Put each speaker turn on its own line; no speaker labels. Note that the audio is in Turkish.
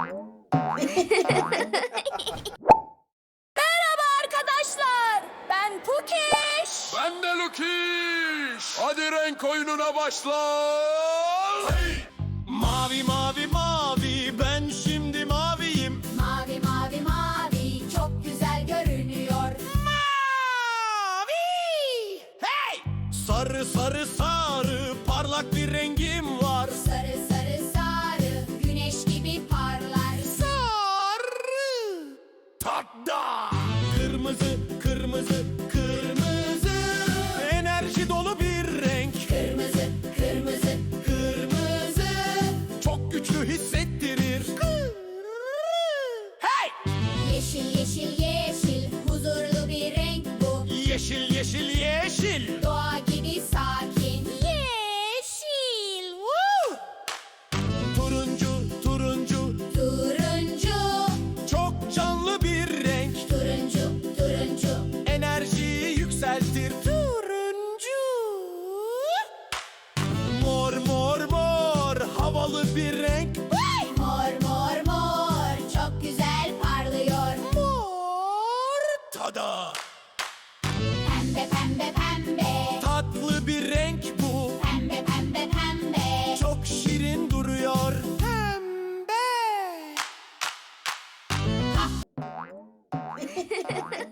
Merhaba arkadaşlar. Ben Pukiş.
Ben de Lukiş. Hadi renk oyununa başla. Hey!
Mavi mavi mavi, ben şimdi maviyim.
Mavi mavi mavi çok güzel görünüyor.
Mavi! Hey! Sarı sarı sarı, parlak bir rengim var.
Sarı sarı sarı güneş gibi parlar.
Sarı! Tada! Kırmızı kırmızı kırmızı, enerji dolu bir renk.
Kırmızı kırmızı
Kırmızı çok güçlü hissettirir. Hey!
yeşil yeşil yeşil huzurlu bir renk bu.
Yeşil yeşil yeşil.
Doğa gibi sakin.
Yeşil. Woo! Turuncu turuncu,
Turuncu
çok canlı bir renk.
turuncu turuncu.
Enerjiyi yükseltir. Turuncu. Mor mor mor, havalı bir renk.
Mor mor mor çok güzel parlıyor.
Mor. Tada!
Pembe pembe pembe.
Tatlı bir renk bu.
Pembe pembe pembe.
Çok şirin duruyor. Pembe.